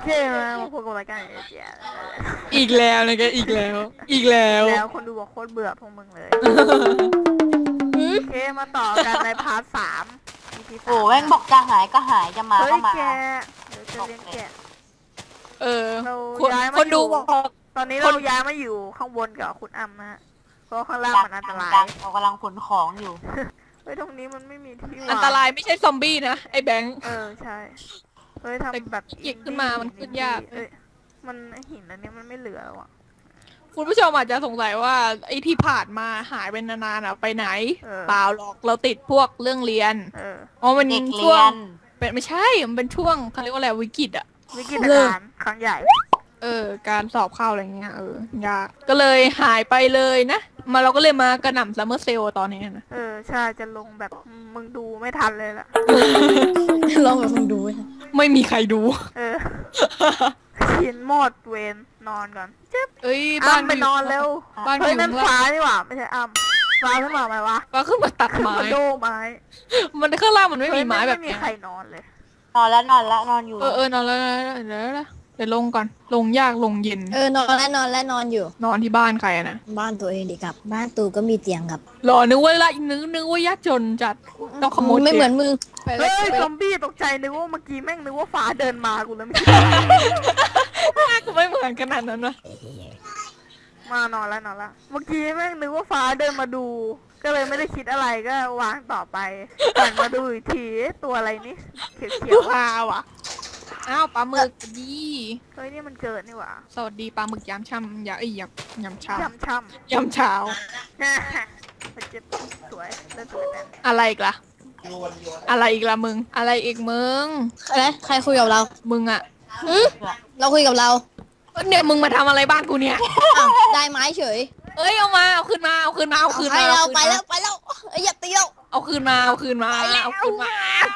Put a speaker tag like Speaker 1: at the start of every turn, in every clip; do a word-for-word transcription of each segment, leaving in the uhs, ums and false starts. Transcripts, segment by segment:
Speaker 1: เจ๊มาพูดกับรายการเอเจีย
Speaker 2: อีกแล้วนะแกอีกแล้วอีกแล้ว
Speaker 1: แล้วคนดูบอกโคตรเบื่อพวกมึงเลยโอเคมาต่อกันในพาร์ทสาม
Speaker 3: โอ้แม่งบอกจะหายก็หายจะมาก็มา
Speaker 1: เฮ้ยแกเดี๋ยวจะเลี้ยงแกะ
Speaker 2: เออ
Speaker 1: คนคนดูบอกตอนนี้เราย้ายมาอยู่ข้างบนกับคุณอ้ำนะฮะเพราะข้างล่างมันอันตราย
Speaker 3: เรากำลังขนของอยู่
Speaker 1: เฮ้ยตรงนี้มันไม่มีที่
Speaker 2: อันตรายไม่ใช่ซอมบี้นะไอ้แบงค์
Speaker 1: เออใช่เฮ้ยทำแบบ
Speaker 2: เก็บขึ้นมามันขึ้นยาก
Speaker 1: เอ้ยมันหินอันนี้มันไม่เหลือแล้วอ่ะ
Speaker 2: คุณผู้ชมอาจจะสงสัยว่าไอ้ที่ผ่านมาหายไปนานๆอ่ะไปไหนเปล่าหรอกเราติดพวกเรื่องเรียนอ๋อมันช่วงเป็นไม่ใช่มันเป็นช่วงเขาเรียกว่าอะไรวิกฤตอ่ะ
Speaker 1: วิกฤตการณ์ครั้งใหญ่
Speaker 2: เออการสอบเข้าอะไรเงี้ยเออยากก็เลยหายไปเลยนะมาเราก็เลยมากระหน่ำซัมเมอร์เซลตอนนี้นะ
Speaker 1: เออใช่จะลงแบบมึงดูไม่ทันเลยล่ะ
Speaker 4: ลองแบบมึงดู
Speaker 2: ไม่มีใครดู
Speaker 1: เออชินหมดเวนนอนก่อนเจ็บ
Speaker 2: เอ้ยบ้าน
Speaker 1: ไปนอนเร็วเฮ้ยนั่นฟ้านี่หว่าไม่ใช่อ้ำฟ้าขึ้นมาไหมวะ
Speaker 2: ฟ้าขึ้นมาตัดไม้
Speaker 1: โดไม้
Speaker 2: มันข้างล่างมันไม่มีไม้แบบ
Speaker 1: นี้ไม่มีใครนอนเลย
Speaker 3: นอนแล้วนอนแล้วนอนอยู่
Speaker 2: เออเออนอนแล้วเดี๋ยวแล้วเดี๋ยวลงก่อนลงยากลงเย็น
Speaker 4: เออนอนแล้วนอนแล้วนอนอยู่
Speaker 2: นอนที่บ้านใครนะ
Speaker 4: บ้านตัวเองดิครับบ้านตูก็มีเตียงครับ
Speaker 2: รอนึกว่าละนึกนึกว่ายากจนจัดต้องขโมย
Speaker 4: ไม่เหมือนมึง
Speaker 1: เฮ้ยซอมบี้ตกใจนึกว่าเมื่อกี้แม่งนึกว่าฟ้าเดินมากูแล้วไม่
Speaker 2: กูไม่เหมือนขนาดนั้นวะ
Speaker 1: มานอนแล้วนอนแล้วเมื่อกี้แม่งนึกว่าฟ้าเดินมาดูก็เลยไม่ได้คิดอะไรก็วางต่อไปหันมาดูอีกทีตัวอะไรนี่เขียว
Speaker 2: ๆว้าวอ่ะอ้าวปลาหมึกดี
Speaker 1: เฮ้ยนี่มันเกิดนี่หว่า
Speaker 2: สวัสดีปลาหมึกยำช่ำยาเอ้ยยำยำเช้าย
Speaker 1: ำช่
Speaker 2: ำยำเช้า
Speaker 1: มันจะสวยเล่นสวยแบบ
Speaker 2: อะไรอีกล่ะอะไรอีกล่ะมึงอะไรอีกมึง
Speaker 4: อะไรใครคุยกับเรา
Speaker 2: มึงอ่ะ
Speaker 4: เราคุยกับเรา
Speaker 2: เนี่ยมึงมาทำอะไรบ้านกูเนี่ย
Speaker 4: ได้ไม้เฉย
Speaker 2: เอ้ยเอามาเอาคืนมาเอาคืนมาเอาคืนมา
Speaker 4: เราไปแล้วไปแล้วอย่าตีเรา
Speaker 2: เอาคืนมาเอาคืนมาเอาคืนมา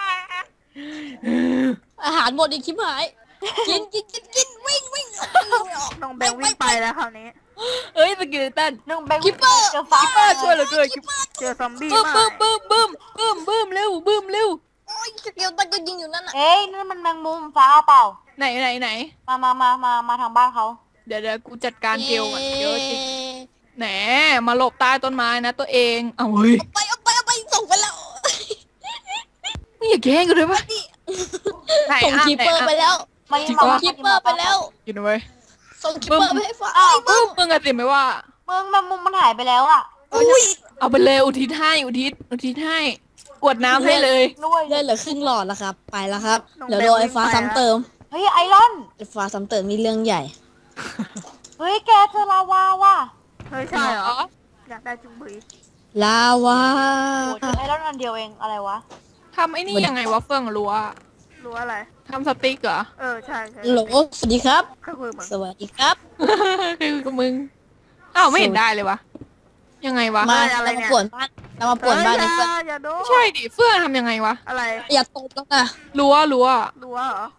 Speaker 4: อาหารหมดอีกชิบหายกินกินกินกินวิ่งวิ่ง
Speaker 1: น้องแบงวิ่งไปแล้วคราวนี้
Speaker 2: เอ้ยสกิลตัน
Speaker 3: น้องแบง
Speaker 4: คิปเปอร์
Speaker 3: เจอฟ้า
Speaker 2: คิปเปอร์ช่วยเหลือเกิน
Speaker 1: เจอซอมบี้
Speaker 2: บึ้มบึ้มบึ้มบึ้มบึ้มบึ้มเร็วบึ้มเร็ว
Speaker 4: โอ้ยสกิลตันก็ยิงอยู่นั่นน่ะ
Speaker 3: เอ้ยนั่นมันแมงมุมฟ้าเปล่า
Speaker 2: ไหนไหนไหน
Speaker 3: มามามามามาทางบ้านเขา
Speaker 2: เดี๋ยวเดี๋ยวกูจัดการเกลก่อนเยอะจริงแหนมาหลบใต้ต้นไม้นะตัวเองเอาเฮ้ย
Speaker 4: ไปเอาไปเอาไปส่งไปแล้ว
Speaker 2: มึงอย่าแกล้งกูเลยปะ
Speaker 4: ส่งคีเปอร์ไปแล้วส่งคีเปอร์ไปแล้ว
Speaker 2: อยู่นะเว้ย
Speaker 4: ส่งคีเปอร์ไปให้ฟ้า
Speaker 2: บึ้มมึงอะติไหมว่า
Speaker 3: มึงแมงมุมมันหายไปแล้วอ่ะ
Speaker 4: อุ้ย
Speaker 2: เอาไปเลยอุทิศให้อุทิศอุทิศให้กวดน้ำให้เลย
Speaker 4: ด้วยเลือดเหลือครึ่งหลอดแล้วครับไปแล้วครับเดี๋ยวโดนไอ้ฟ้าซ้ำเติม
Speaker 3: เฮ้ยไอรอน
Speaker 4: ไอ้ฟ้าซ้ำเติมมีเรื่องใหญ่
Speaker 3: เฮ้ยแกเจอลาวาว่ะ
Speaker 1: เฮ้ยใช่เหรออยากได้จุ่มบุย
Speaker 4: ลาวา
Speaker 3: โอ้ยไอรอนอันเดียวเองอะไรวะ
Speaker 2: ทำไอ้นี่ยังไงวะเฟื่องรั้ว
Speaker 1: รั้วอะไร
Speaker 2: ทำสติ๊กเหรอ
Speaker 1: เออใช่ใช่
Speaker 4: โหลสวัสดีครับ
Speaker 1: ส
Speaker 4: วัสดีครับ
Speaker 2: คือกับมึงอ้าวไม่เห็นได้เลยวะยังไงวะ
Speaker 4: มาเรามาป่วนบ้านเรามาป่วนบ้าน
Speaker 1: เ
Speaker 4: พื่อน
Speaker 2: ไม่ใช่ดิเฟื่องทำยังไงวะ
Speaker 1: อะไร
Speaker 4: อย่าตบแล้วนะ
Speaker 2: รั้วรั้ว
Speaker 1: รั้วเหรอ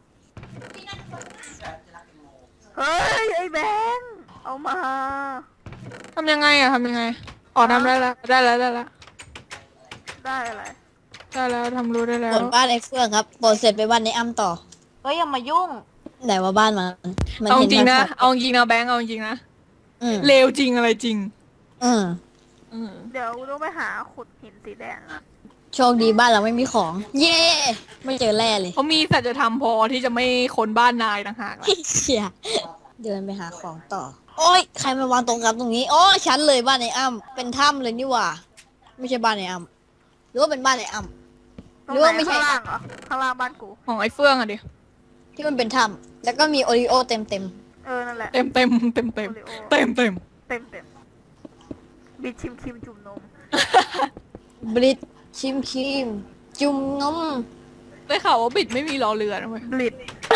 Speaker 1: เฮ้ยไอ้แบงค์เอามา
Speaker 2: ทำยังไงอะทำยังไงอ๋อทำได้แล้วได้แล้วได้แล้ว
Speaker 1: ได้อะไร
Speaker 2: ได้แล้วทำรู้ได้แล้ว
Speaker 4: ป่วนบ้านไอ้เฟื่องครับป่วนเสร็จไปบ้านในอ้ำต่อ
Speaker 3: เฮ้ยอย่ามายุ่ง
Speaker 4: ไหนว่าบ้านมัน
Speaker 2: เอาจริงนะเอาจริงนะแบงค์เอาจริงนะเลวจริงอะไรจริง
Speaker 4: อืม
Speaker 1: เดี๋ยวต้องไปหาขุดหินสีแดง
Speaker 4: โชคดีบ้านเราไม่มีของเย่ไม่เจอแร่เลย
Speaker 2: เขามีสัจธรรมพอที่จะไม่ค้นบ้านนายต่างหาก
Speaker 4: เชี่ยเดินไปหาของต่อโอ้ยใครมาวางตรงกับตรงนี้โอ้ฉันเลยบ้านในอ้ำเป็นถ้ำเลยนี่หว่าไม่ใช่บ้านในอ้ำหรือว่าเป็นบ้านในอ้ำ
Speaker 1: หรือว่าไม่ใช่ข้างล่างเหรอข้างล่างบ้านกู
Speaker 2: ของไอ้เฟื่องอะดิ
Speaker 4: ที่มันเป็นถ้ำแล้วก็มีโอริโอเต็มเต็ม
Speaker 1: เออนั่นแหละ
Speaker 2: เต็มเต็มเต็มเต็มเต็มเต็ม
Speaker 1: เต็มเต็มบิดชิมคิมจุ่มนม
Speaker 4: บลิดชิมคิมจุ่มนม
Speaker 2: ได้ข่าวว่าบิดไม่มีรอเรือนะเว้ย
Speaker 1: บลิด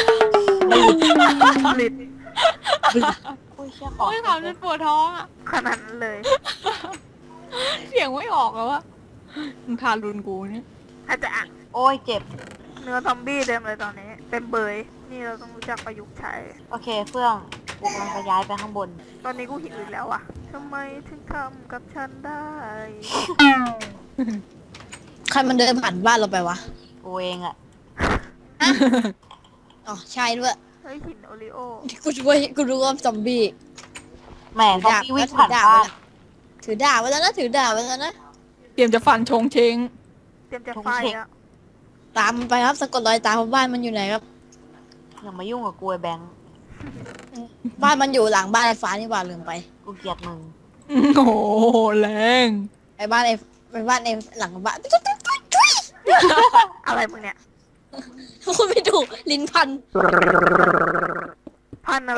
Speaker 1: บลิด
Speaker 2: โอ้ยข่าวฉันปวดท้องอะ
Speaker 1: ขนาดนั้นเลย
Speaker 2: เสียงไม่ออกแล้ววะมึงทารุนกูเนี่ย
Speaker 1: อาจจะอ่ะ
Speaker 3: โอ้ยเจ็บ
Speaker 1: เนื้อซอมบี้เต็มเลยตอนนี้เต็มเบยนี่เราต้องรู้จักประยุกต์ใช้
Speaker 3: โอเคเฟื่องกูกำลังจะย้ายไปข้างบน
Speaker 1: ตอนนี้กูหิวอีกแล้วอ่ะทำไมถึงทำกับฉันได้
Speaker 4: ใครมันเดินผ่านบ้านเราไปวะ
Speaker 3: กูเองอะ
Speaker 4: อ๋อใช่ด้วย
Speaker 1: เฮ้ยหินโอริโอ
Speaker 4: กูช่วยกูรู้ว่าซอมบี้
Speaker 3: แหมซอมบี้วิ่งผ่านบ้าน
Speaker 4: ถือดาบไว้แล้วนะถือดาบไว้แล้วนะ
Speaker 2: เตรียมจะฟันชงเชง
Speaker 1: เตรียมจะไฟแล้ว
Speaker 4: ตามมันไปครับสะกดรอยตามบ้านมันอยู่ไหนครับ
Speaker 3: อย่ามายุ่งกับกูไอ้แบงค์
Speaker 4: บ้านมันอยู่หลังบ้านไอ้ฟ้านี่หว่าลืมไป
Speaker 3: กูเกลียดมึง
Speaker 2: โอ้โหแรง
Speaker 4: ไอ้บ้านไอ้ไอ้บ้านไอ้หลังบ้าน
Speaker 1: อะไรมึงเนี่ย
Speaker 4: พูดไม่ถูกลิ้นพัน
Speaker 1: พันอะไร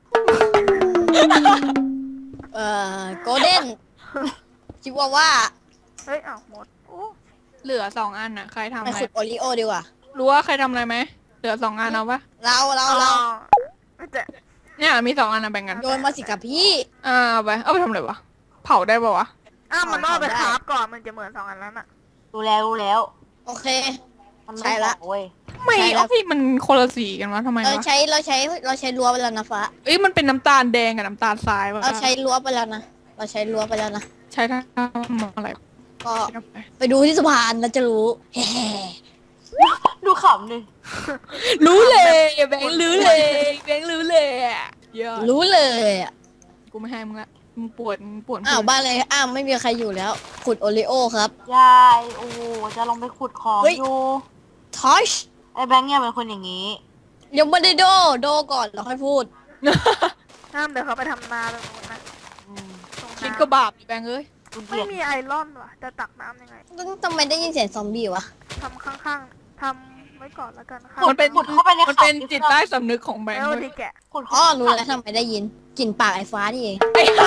Speaker 4: เอ่อโกลเด้นชิวาว่า
Speaker 1: เฮ้ยอ้าวหมดโอ้
Speaker 2: เหลือสองอันน่ะใครทำ
Speaker 4: ไป
Speaker 2: อะไร
Speaker 4: ขุดโอริโอดีกว่า
Speaker 2: รู้ว่าใครทำอะไรไหมเหลือสองอันเอาปะ
Speaker 4: เราเราเรา
Speaker 1: ไม่แต่
Speaker 2: เนี่ยมีสองอันนะแบ่งกัน
Speaker 4: โยนมาสิกับพี่
Speaker 2: อ่าเอาไปเอาไปทำอะไรวะเผาได้ปะวะ
Speaker 1: อ้าวมันต้องเอาไป
Speaker 4: ได้
Speaker 1: คราฟก่อนมันจะเหมือนสองอันนั้นอะ
Speaker 3: รู้แล้วรู้แล้ว
Speaker 4: โอเค
Speaker 3: มัน
Speaker 4: ใช่ละ
Speaker 3: เว้ย
Speaker 2: ไม่
Speaker 4: ใช่แล้ว
Speaker 2: เอาพี่มันคนละสีกันวะทำไม
Speaker 4: เรา
Speaker 2: วะ
Speaker 4: ใช้เราใช้เราใช้รั้วไปแล้วนะฟ้า
Speaker 2: เอ้ยมันเป็นน้ำตาลแดงกับน้ำตาลทรายวะ
Speaker 4: เราใช้รั้วไปแล้วนะเราใช้รั้วไปแล้วนะ
Speaker 2: ใช้ทำอะไร
Speaker 4: ก็
Speaker 2: ใช้ทำอะไร
Speaker 4: ไปดูที่สะพานแล้วจะรู้แฮ่
Speaker 3: ดูขำดิ
Speaker 2: รู้เลยแบงค์รู้เลยแบงค์รู้เลยอะเยอะ
Speaker 4: รู้เลยอ่ะ
Speaker 2: กูไม่ให้มึงละมึงปวดมึงปวด
Speaker 4: อ้าวบ้านเลยอ้าวไม่มีใครอยู่แล้ว ขุดโอริโอครับ
Speaker 3: ยายโอ้โหจะลงไปขุดของ
Speaker 4: เฮ้ย
Speaker 3: อยู่
Speaker 4: ทอช
Speaker 3: ไอ้แบงค์เนี่ยเป็นคนอย่างนี้
Speaker 4: ยังไม่ได้โดโดก่อนแล้วค่อยพูด
Speaker 1: ห้ามเดี๋ยวเขาไปทำนาตรงนู้นนะ
Speaker 3: อืม
Speaker 1: ตรง
Speaker 2: คิด
Speaker 1: น้ำ
Speaker 2: ก็บาปดิแบงค์เอ้ย
Speaker 3: กูเกลี
Speaker 1: ไม่
Speaker 3: ยด
Speaker 1: มีไอรอนว่ะจะตักน้ำยังไง
Speaker 4: ทำไมได้ยินเสียงซอมบี้วะ
Speaker 1: ทำข้างๆทำไว้ก่อนแล้วกันค่ะ
Speaker 2: มันเป็น
Speaker 3: ขุดเข้าไปใน
Speaker 2: มัน
Speaker 3: เขา
Speaker 2: เป็นจิตใต้สำนึกของแบง
Speaker 1: แล้
Speaker 2: ค์
Speaker 1: ว
Speaker 2: เว้
Speaker 1: ดี
Speaker 2: ย
Speaker 1: แกะ
Speaker 3: ขุด
Speaker 4: อ๋
Speaker 3: เข้า
Speaker 4: อรู้แล้วทำไมได้ยินกลิ่นปากไอ้ฟ้านี่เอง
Speaker 2: ไอ้ห่า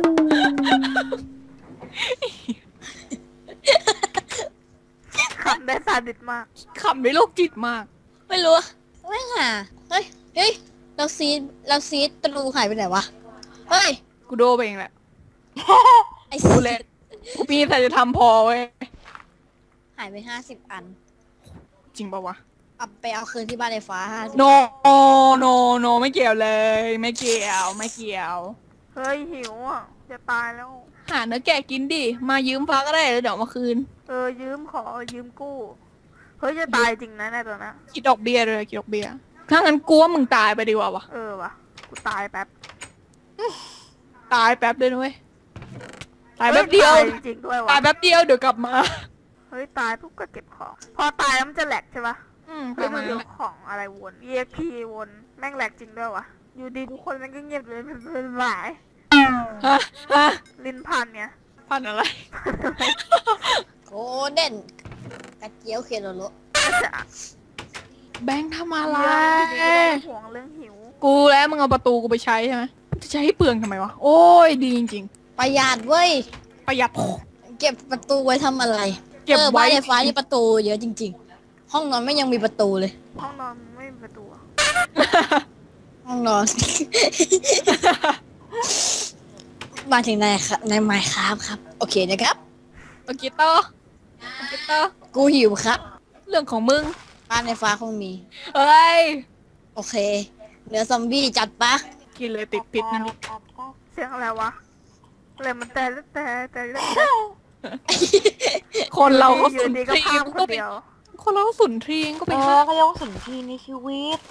Speaker 1: ขำได้ซาดิสมาก
Speaker 2: ขำด้วยโรคจิตมาก
Speaker 4: ไม่รู้ไม่หาเฮ้ยเฮ้ยเราซีดเราซีดตะลูหายไปไหนวะเฮ้ย
Speaker 2: กูโดนไปเองแหละ
Speaker 4: ไอ้
Speaker 2: กู
Speaker 4: ซี
Speaker 2: เล่นกูมีแต่จะทำพอเว้ย
Speaker 4: หายไปห้าสิบอัน
Speaker 2: จริงปะวะ
Speaker 4: เอาไปเอาคืนที่บ้านไอ้ฟ้าห้าสิบ
Speaker 2: โนโนโนไม่เกี่ยวเลย ไม่เกี่ยวไม่เกี่ยว
Speaker 1: เฮ้ยหิวอ่ะจะตายแล้ว
Speaker 2: หาเนื้อแกะกินดิ มายืมฟ้าก็ได้แล้วเดี๋ยวเอามาคืน
Speaker 1: เออยืมขอยืมกู้ เฮ้ยจะตายจริงนะในตัวนั้น
Speaker 2: คิดดอกเบี้ยเลยคิดดอกเบี้ยถ้างั้นกูว่ามึงตายไปดีกว่าวะ
Speaker 1: เออวะกูตายแป๊บ
Speaker 2: ตายแป๊บเลยนะเว้ยตายแป๊บเดียว
Speaker 1: ฮ้ตาจริงๆด้วยวะ
Speaker 2: ตายแป๊บเดียวเดี๋ยวกลับมา
Speaker 1: เฮ้ยตายปุ๊บก็เก็บของ พอตายแล้วมันจะแหลกใช่ปะ
Speaker 2: อืมป
Speaker 1: เฮ้ย
Speaker 2: ระ
Speaker 1: มั
Speaker 2: มาน ณ
Speaker 1: เดี๋
Speaker 2: นั้
Speaker 1: ย
Speaker 2: น
Speaker 1: ว
Speaker 2: แหละ
Speaker 1: ของอะไรวน เอ็กซ์ พี วนแม่งแหลกจริงด้วยวะอยู่ดีทุกคนแม่งก็เงียบเลยเป็นเป็นหลาย
Speaker 2: ฮะฮะ
Speaker 1: ลิ้นพันเนี่ย
Speaker 2: พันอะไร
Speaker 4: โกลเด้นกระเจียวเคโรโล
Speaker 1: ก็จะ
Speaker 2: แบงค์ทำอะไร
Speaker 1: เรื่องห่วงเรื่องหิว
Speaker 2: กูแล้วมึงเอาประตูกูไปใช้ใช่ไหมจะใช้ให้เปลืองทำไมวะ โอ้ยดีจริง
Speaker 4: ประหยัดเว้ย
Speaker 2: ๆ ประหยัด
Speaker 4: เก็บประตูไว้ทำอะไร
Speaker 2: เก็บ
Speaker 4: ออ
Speaker 2: ไว้
Speaker 4: บ้านไอ้ฟ้านี่ประตูเยอะจริง ๆ ห้องนอนไม่ยังมีประตูเลย
Speaker 1: ห้องนอนไม่มีประตูอะ
Speaker 4: ห้องนอน มาถึงในครับในไมค์ครับครับ โอเคนะครับ
Speaker 2: โอเคต่อโอเคต่อ
Speaker 4: กูหิวครับ
Speaker 2: เรื่องของมึง
Speaker 4: บ้านในฟ้าคงมี
Speaker 2: เอ้ย
Speaker 4: โอเคเนื้อซอมบี้จัดปะ
Speaker 2: กินเลยติดพิษนะลูก
Speaker 1: เสียงอะไรวะอะไรมันแต่แต่แต่แต่
Speaker 2: คนเราก็
Speaker 1: อ
Speaker 2: สุ
Speaker 1: ยู่
Speaker 2: น
Speaker 1: ดี
Speaker 2: ท
Speaker 1: ก็
Speaker 2: รี
Speaker 1: พาม
Speaker 2: ม
Speaker 1: ค
Speaker 2: ก็
Speaker 1: น
Speaker 2: ไป
Speaker 1: เดียว
Speaker 2: คนเราก็สุนทรีมก็
Speaker 3: เอ
Speaker 2: ไป
Speaker 3: อ
Speaker 2: ฆ่า
Speaker 3: ก็เรียกว่าสุนทรีในชีวิต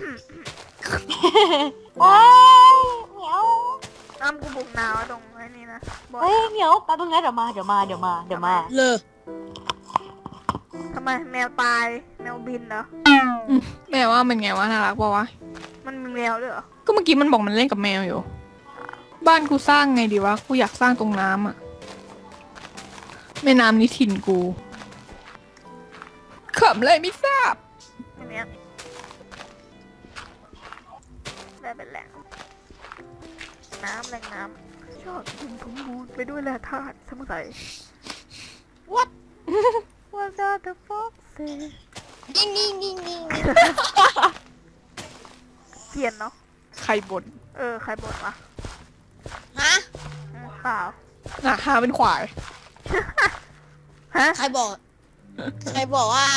Speaker 3: ว้ายเหมียว
Speaker 1: อ้ำกูบุกหนาวตรงไอ้นี่นะบอก
Speaker 3: เฮ้ยเหมียวแป๊บนึงนะเดี๋ยวมาเดี๋ยวมาเดี๋ยวมาเดี๋ยวมา
Speaker 4: เลอ
Speaker 1: ทำไมแมวตายแมวบินเหรอ
Speaker 2: อืมแม่ว่ามันไงวะน่ารักปะวะ
Speaker 1: มันมีแมวด้วยเหรอ
Speaker 2: ก็เมื่อกี้มันบอกมันเล่นกับแมวอยู่ บ้านกูสร้างไงดีวะ กูอยากสร้างตรงน้ำอะแม่น้ำนี่ถิ่นกูขำอะไรไม่ทราบ
Speaker 1: อันเนี้ยได้เป็นแหล่งน้ำแหล่งน้ำชอบกินสมบูรณ์ไปด้วยแร่ธาตุสมุนไพร
Speaker 4: What
Speaker 1: What does the fox say
Speaker 4: ยิงยิงยิงยิง
Speaker 1: เกลียนเนาะ
Speaker 2: ใครบ่น
Speaker 1: เออใครบ่นวะ
Speaker 4: ฮะ
Speaker 1: อืมเปล่า
Speaker 2: อ่ะหาเป็นขวาย
Speaker 1: ฮะ
Speaker 4: ใครบอก ใครบอกว่า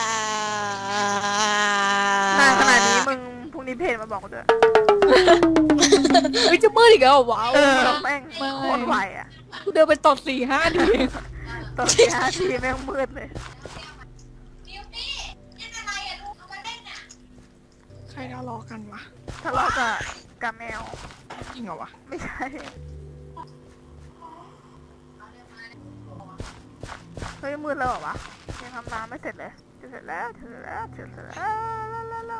Speaker 1: นานขนาดนี้มึงพรุ่งนี้เพจมาบอกกูด้วย
Speaker 2: เฮ้ยจะมืดอีกแล้วเหรอว้าว
Speaker 1: เออแม่ง
Speaker 2: ไม่
Speaker 1: โคตรไวอ่ะ
Speaker 2: กูเดินไปตดสี่ห้าทีเอง
Speaker 1: ตอนที่ห้าทีแม่งมืดเลย
Speaker 2: ใรทะเลาะกันวะ
Speaker 1: ทะเลาะกับกับแมว
Speaker 2: จริงเหรอวะ
Speaker 1: ไม่ใช่เฮ้ยมืดแล้วเหรอวะยังทำน้ำไม่เสร็จเลยจะเสร็จแล้วจะเสร็จแล้วจะเสร็จแล้วแล้ว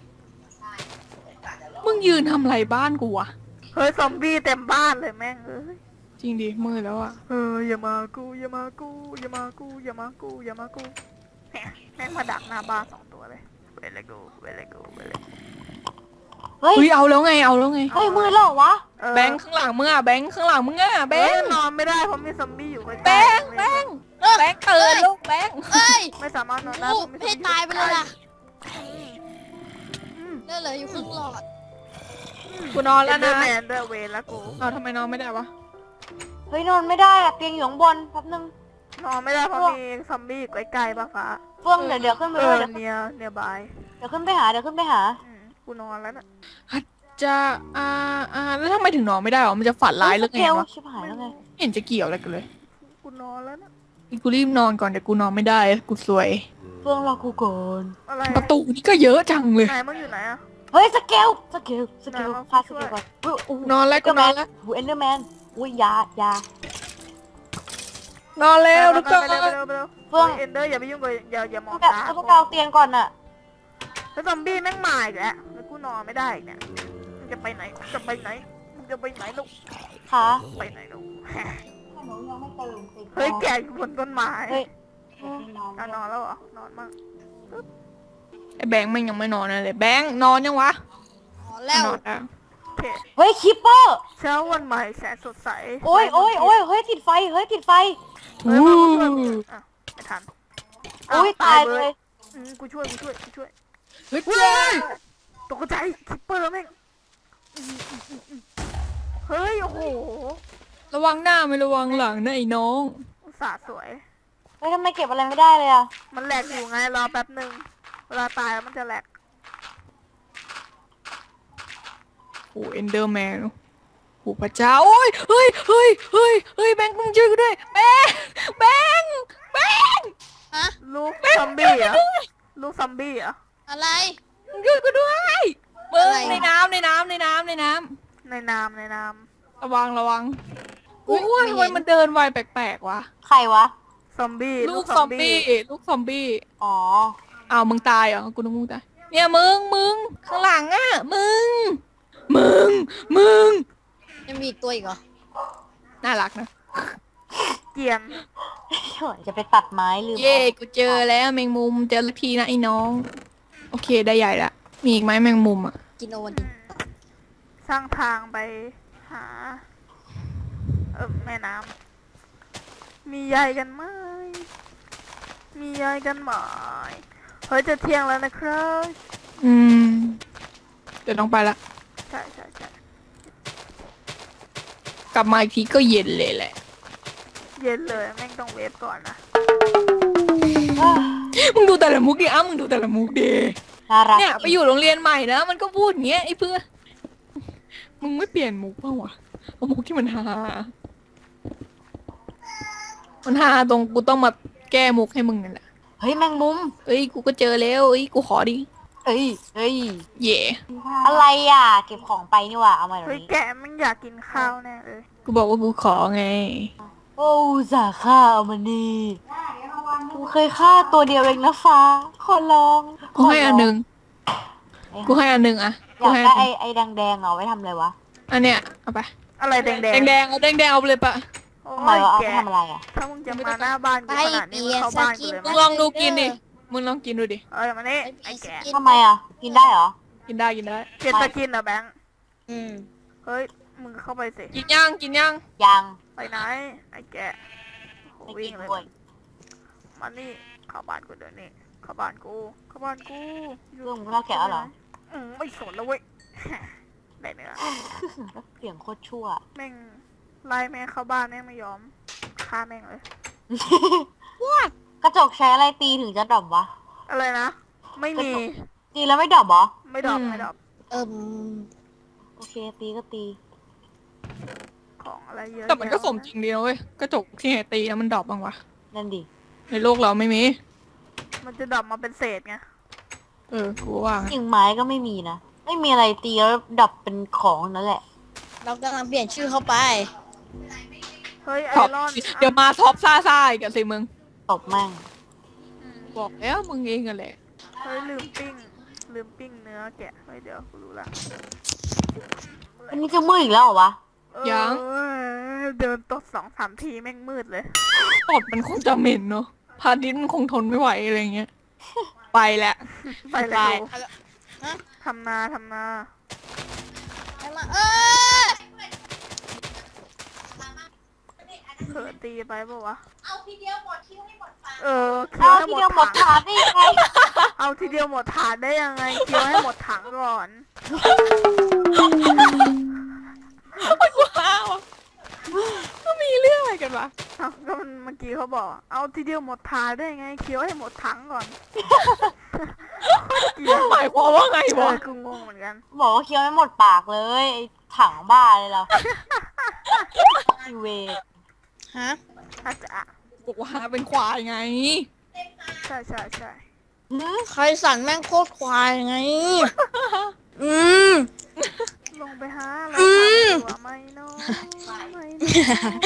Speaker 2: มึงยืนทำไรบ้านกูวะ
Speaker 1: เฮ้ยซอมบี้เต็มบ้านเลยแม่งเอ้ย
Speaker 2: จริงดิมือแล้วอะ
Speaker 1: เอออย่ามากูอย่ามากูอย่ามากูอย่ามากูอย่ามากูแหมแม่งมาดักหน้าบ้านสองตัวเลยเวลกูเวลกูเวล
Speaker 3: เฮ้ย
Speaker 2: เฮ้ยเอาแล้วไงเอาแล้วไง
Speaker 3: เฮ้ยมือแล้วเหรอวะ
Speaker 2: แบงค์ข้างหลังมึงอะแบงค์ข้างหลังมึงอะแบ
Speaker 1: เฮ้ย
Speaker 2: งค์
Speaker 1: นอนไม่ได้เพราะมีซอมบี้อยู่ใกล้ๆ
Speaker 2: แบงค์แบงค์แบงค์ตื่นลูกแบงค์
Speaker 4: เอ้ย
Speaker 1: ไม่สามารถนอนได้
Speaker 4: ลู
Speaker 1: เพ
Speaker 4: ก
Speaker 1: ราะมีซอม
Speaker 4: ให้
Speaker 1: บี้
Speaker 4: ตายไปเลยล่ะ
Speaker 1: อืม
Speaker 4: ได้เลยอยู่ครึ่งหลอด
Speaker 2: กูนอนแล้ว
Speaker 1: เดอ
Speaker 2: นะ
Speaker 1: ร์แมนด้วยเวรแล้วกู
Speaker 2: เอาทำไมนอนไม่ได้วะ
Speaker 3: เฮ้ยนอนไม่ได้อะเตียงอยู่ข้างบนแป๊บนึง
Speaker 1: นอนไม่ได้เพราะมีซอมบี้อยู่ใกล้ๆป่ะฟ้า
Speaker 3: เฟื่องเดี๋ยวเดี๋ยวขึ้นไป
Speaker 1: เอ
Speaker 3: ด้วย
Speaker 1: อ
Speaker 3: เดี๋ยว
Speaker 1: เนียเนียบาย
Speaker 3: เดี๋ยวขึ้นไปหาเดี๋ยวขึ้นไปหา
Speaker 1: อืมกูนอนแล้วน่ะ
Speaker 2: จะอ่าอ่าแล้วทำไมถึงนอนไม่ได้หรอมันจะฝันร้ายหรือไง
Speaker 3: เกล
Speaker 2: วะ
Speaker 3: ชิบหายแล้วไง
Speaker 2: ไม่เห็นจะเกี่ยวอะไรกันเลย
Speaker 1: กูนอนแล้วน่ะ
Speaker 2: กูรีบนอนก่อนเดี๋ยวกูนอนไม่ได้กูสวย
Speaker 3: เฟื่องรอกูก่อน
Speaker 1: อะไร
Speaker 2: ประตูนี่ก็เยอะจังเลย
Speaker 1: ไหนมึงอยู่ไหนอะ
Speaker 3: เฮ้ยสเกลสเกลสเกล
Speaker 1: ไหนวะ
Speaker 3: พาส
Speaker 1: ช่
Speaker 3: เก
Speaker 1: วย
Speaker 3: ลก่อนอุ้ยอู้
Speaker 2: นอนแล้วกูนอนแล้ว
Speaker 3: หูเอนเดอร์แมนอุ้ยยายาน
Speaker 2: อนแล้วทุกคน
Speaker 1: ไปเร็วไปเร็วไปเร็ว
Speaker 3: เฟื่อง
Speaker 1: เอ็นเดอร์อย่าไปยุ่งกับอย่าอย่ามอง
Speaker 3: แบบ
Speaker 1: ตา
Speaker 3: ต้องเอาเตียงก่อนน่ะ
Speaker 1: แล้วซอมบี้แม่งมาอีกแล้วแล้วกูนอนไม่ได้อีกเนี่ยมึงจะไปไหนจะไปไหนมึงจะไปไหนลูก
Speaker 3: ขา
Speaker 1: ไปไหนลูก
Speaker 3: หนูยังไม่ตื่นสิ
Speaker 1: เฮ้ยแกอยู่บนต้นไม้
Speaker 3: เฮ้ย
Speaker 1: เอานอนแล้วเหรอนอนมั่ง
Speaker 2: ไอ้แบงค์มันยังไม่นอนเลยแบงค์นอนยังวะ
Speaker 4: อ๋อแล้ว
Speaker 2: นอนแล้ว
Speaker 1: โอเค
Speaker 3: เฮ้ยคิปเปอร์
Speaker 1: เช้าวันใหม่แสนสดใส
Speaker 3: โอ้ยโอ้ยโอ้ยเฮ้ยติดไฟเฮ้ยติดไฟ
Speaker 1: เฮ้ยมาช่วยกูอ่ะไม่ทัน
Speaker 3: อุ้ย
Speaker 1: อ้ว
Speaker 3: ตายเลย
Speaker 1: อืมกูช่วยกูช่วยกูช่วย
Speaker 2: เฮ้ย
Speaker 1: เฮ้ยตกใจคิปเปอร์แม่งอืมอืมอืมอืมเฮ้ยโอ้โห
Speaker 2: ระวังหน้าไม่ระวังหลังนะไอ้น้อง
Speaker 1: อุตส่าห์สวย
Speaker 3: เฮ้ยทำไมเก็บอะไรไม่ได้เลยอะ
Speaker 1: มันแหลกอยู่ไงรอแป๊บหนึ่งเวลาตายแล้วมันจะแหลก
Speaker 2: โอ้เอนเดอร์แมนโอ้พระเจ้าโอ้ยเฮ้ยเฮ้ยเฮ้ยเฮ้ยแบงค์มึงช่วยกูด้วยแบงค์แบงค์แบงค์
Speaker 4: ฮะ
Speaker 1: ลูกซอมบี้เหรอลูกซอมบี้เหรอ
Speaker 4: อะไร
Speaker 2: มึงช่วยกูด้วยมึง
Speaker 4: อะไร
Speaker 2: ในน้ำในน้ำในน้ำในน้
Speaker 1: ในนามในนาม
Speaker 2: ำระวังระวังอุ้ยว่าทำไมมันเดินไวแปลกๆวะ
Speaker 3: ใครวะ
Speaker 1: ซอมบี้
Speaker 2: ลูกซอมบี้ลูกซอมบี้
Speaker 3: อ๋อ
Speaker 2: อ้าวมึงตายเหรอกูนึกมึงตายเนี่ยมึงมึงข้างหลังอ่ะมึงมึงมึง
Speaker 4: ยังมีอีกตัวอีกเหรอ
Speaker 2: น่ารักนะ
Speaker 1: เกรียน
Speaker 3: จะไปตัดไม้ลืม
Speaker 2: เย่กูเจอแล้วแมงมุมเจอละทีนะไอ้น้องโอเคได้ใหญ่ละมีอีกไหมแมงมุมอ่ะ
Speaker 4: กินโอวันติน
Speaker 1: สร้างทางไปหาเออแม่น้ำมีใยกันไหมมีใยกันไหมเฮ้ยจะเที่ยงแล้วนะครับ
Speaker 2: อืมเดี๋ยวต้องไปละ
Speaker 1: ใช่ใช่ใช่
Speaker 2: กลับมาอีกทีก็เย็นเลยแหละ
Speaker 1: เย็นเลยแม่งต้องเวฟก่อนนะ
Speaker 2: มึงดูแต่ละมุกดิอ้ามึงดูแต่ละมุกดิ
Speaker 3: น่ารัก
Speaker 2: เนี่ยไปอยู่โรงเรียนใหม่นะมันก็พูดอย่างเงี้ยไอ้เพื่อนมึงไม่เปลี่ยนมุกเปล่าวะเอามุกที่มันฮามันฮาตรงกูต้องมาแก้มุกให้มึงนั่นแหละ
Speaker 3: เฮ้ยแมงมุม
Speaker 2: เอ้ยกูก็เจอแล้วเอ้ยกูขอดิ
Speaker 3: เอ้ยเอ้ย
Speaker 2: เย่
Speaker 3: อะไรอ่ะ เก็บของไปนี่หว่าเอามาเดี๋ย
Speaker 1: เฮ้
Speaker 3: วย นี้
Speaker 1: แกแม่งอยากกินข้าวแน่เลย
Speaker 2: กูบอกว่ากูขอไง
Speaker 3: โอ้สาฆ่าเอามานี่กูเคยฆ่าตัวเดียวเองนะฟ้า ขอร้อง
Speaker 2: กูให้อันหนึ่งกูให้อันหนึ่งอะ
Speaker 3: อ
Speaker 2: กู
Speaker 3: ยาก
Speaker 2: ให้อั
Speaker 3: ได้
Speaker 2: นห
Speaker 3: ไอ้
Speaker 2: นึ่ง
Speaker 3: ไอ้แดงๆเอาไว้ทำอะไรวะ
Speaker 2: อันเนี้ยเอาไป
Speaker 1: อะไรแดงแด
Speaker 2: แดงแดงๆเอาแดงแดงๆเอาไปเลยปะ
Speaker 1: โอ้
Speaker 3: ทำไม
Speaker 1: ยว
Speaker 3: ะเอา
Speaker 1: แก
Speaker 3: ไปทำอะไรอ่ะ
Speaker 1: ถ้ามึงจะมาหน้าบ้านกู
Speaker 4: ไป
Speaker 1: ขนาดนี้
Speaker 4: เปี
Speaker 1: มึง
Speaker 4: ย
Speaker 1: เข้า
Speaker 4: ส
Speaker 1: บ้าน
Speaker 4: กิ
Speaker 1: กู
Speaker 4: น
Speaker 1: เลย
Speaker 2: มึ
Speaker 1: มั้
Speaker 2: ง
Speaker 1: ย
Speaker 2: ลองดูกินดิมึงลองกินดูดิ
Speaker 1: เอ้ยมานี่ไอ้แก
Speaker 3: ทำไมอ่ะ กินได้เหรอ
Speaker 2: กินได้กินได้
Speaker 1: เกลียดจะกินเหรอแบงค์
Speaker 4: อืม
Speaker 1: เฮ้ยมึงเข้าไปสิ
Speaker 2: กินย่างกินย่าง
Speaker 3: ยัง
Speaker 1: ไปไหนไอ้แกโอ้
Speaker 3: ไม่
Speaker 1: วิ่
Speaker 3: กิ
Speaker 1: ง
Speaker 3: น
Speaker 1: เลย
Speaker 3: ด้วย
Speaker 1: มานี่เข้าบ้านกูเดี๋ยวนี้เข้าบ้านกูเข้าบ้านกู
Speaker 3: เรื่องมึงเล่าแกะแล้วเหรอ
Speaker 1: อืมไม่สนแล้วเว้ย ได้เนื้อ
Speaker 3: เสียงโคตรชั่ว
Speaker 1: แม่งไล่แม่งเข้าบ้านแม่งไม่ยอมฆ่าแม่งเลย
Speaker 3: กระจกใช้อะไรตีถึงจะดรอปวะ
Speaker 1: อะไรนะ ไม่มี
Speaker 3: ตีแล้วไม่ดรอปเหรอ
Speaker 1: ไม่ดรอปไม่ดรอป
Speaker 4: เอิ่ม
Speaker 3: โอเคตีก็ตี
Speaker 1: ของอะไรเยอะ
Speaker 2: แต่มันก็
Speaker 1: แยะ
Speaker 2: สมจริงดีนะเว้ยกระจกที่ไหนตีแล้วมันดรอปบ้างวะ
Speaker 3: นั่นดิ
Speaker 2: ในโลกเราไม่มี
Speaker 1: มันจะดรอปมาเป็นเศษไง
Speaker 2: เออกูว่า
Speaker 3: กิ่งไม้ก็ไม่มีนะไม่มีอะไรตีแล้วดับเป็นของนั่นแหละ
Speaker 4: เรากำลังเปลี่ยนชื่อเข้าไป
Speaker 1: เฮ้ยไอ
Speaker 2: ท็อป
Speaker 1: รอน
Speaker 2: เดี๋ยวมาท็อปซ่าซ่าอีกันสิมึง
Speaker 3: ตบแม่ง
Speaker 2: บอกแล้วมึงเองกันแหละ
Speaker 1: เฮ้ยลืมปิ้งลืมปิ้งเนื้อแกะเฮ้ยเดี๋ยวกูรู้ละ
Speaker 3: อันนี้จะมืดอีกแล้วเหรอวะ
Speaker 1: เออเดินตดสองสามทีแม่งมืดเลย
Speaker 2: ตดมันคงจะเหม็นเนาะพาดินมันคงทนไม่ไหวอะไรเงี้ยไปแหละ
Speaker 1: ไปเลย
Speaker 2: ไป
Speaker 1: ดูทำนาทำนา
Speaker 4: ไปมาเออ
Speaker 1: เผื่อตีไปปะวะ
Speaker 4: เอาทีเดียวหมดคิวให้หมดปาก
Speaker 1: เออเคี้ยว
Speaker 3: เอา
Speaker 1: ให้
Speaker 3: ที
Speaker 1: หม
Speaker 3: เดียว
Speaker 1: ด
Speaker 3: หมด
Speaker 1: ถัง
Speaker 3: ถาดได้ยังไง
Speaker 1: เอาทีเดียวหมดถาดได้ยังไงเคี้ยวให้หมดถังก่อน
Speaker 2: ว้าวก็มีเรื่องอะไรกันวะ
Speaker 1: เอาก็มันเมื่อกี้เขาบอก เอาทีเดียวหมดถาดได้ยังไงเคี้ยวให้หมดถังก่อนเกลียด
Speaker 2: หมายความว่าไง
Speaker 1: เอ
Speaker 2: วะ
Speaker 1: อกูงงเหมือนกัน
Speaker 3: บอกว่าเคี้ยวไม่หมดปากเลยไอ้ถังบ้าเลยเหรออีเว
Speaker 4: ฮะ
Speaker 1: อาจจะอ่ะ
Speaker 2: บอกว่าเป็นควายไง
Speaker 1: ใช่ใช่ใช่
Speaker 4: ใครสั่นแม่งโคตรควายไง อืม
Speaker 1: ลงไปหาอะไร
Speaker 4: อืม
Speaker 1: ทำตัวไม่น้อยไม่น้อย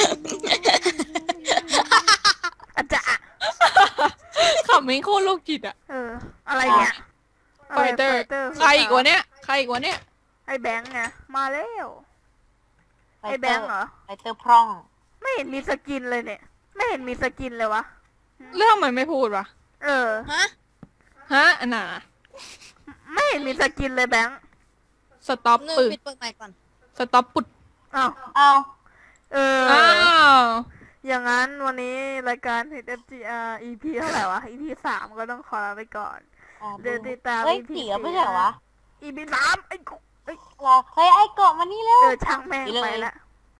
Speaker 1: อาจจะอ่ะ
Speaker 2: ขำไม่โคตรโรคจิตอะ
Speaker 1: เออ อะไรเนี่ย
Speaker 2: ไฟเตอร์
Speaker 1: Fighter
Speaker 2: ใครอีกวะเนี้ยใครอีกวะเนี้ย
Speaker 1: ไอแบงค์ไงมาแล้วไอแบงค์เหรอ
Speaker 3: ไอเตอร์พร่อง
Speaker 1: ไม่เห็นมีสกินเลยเนี่ย ไม่เห็นมีสกินเลยวะ
Speaker 2: เรื่องมันไม่พูดวะ
Speaker 1: เออ
Speaker 4: ฮะ
Speaker 2: ฮะอันน่ะ
Speaker 1: ไม่เห็นมีสกินเลยแบงค์
Speaker 2: สต็อป
Speaker 4: หนึ่ง
Speaker 2: ปึก
Speaker 4: ปิดเปิดใหม่ก่อน
Speaker 2: สต็อปปุด
Speaker 1: อ้าว
Speaker 3: เอา
Speaker 1: เออ
Speaker 2: อ้าว
Speaker 1: อย่างนั้นวันนี้รายการ เอฟ จี อาร์ อี พี เท่าไหร่วะ อี พี สามก็ต้องขอลาไปก่อน
Speaker 3: อ๋อ
Speaker 1: เดี๋ยวติดตาม
Speaker 3: เฮ้ย
Speaker 1: อี พี
Speaker 3: เสียไม่ใช่เหรอวะ
Speaker 1: อี พี สามไอ้กูเอ้ย
Speaker 3: เหรอเฮ้ยไอ้เกาะมานี่แล้ว
Speaker 1: เออช่างแม่ง
Speaker 3: ไปเลย
Speaker 1: ไปละ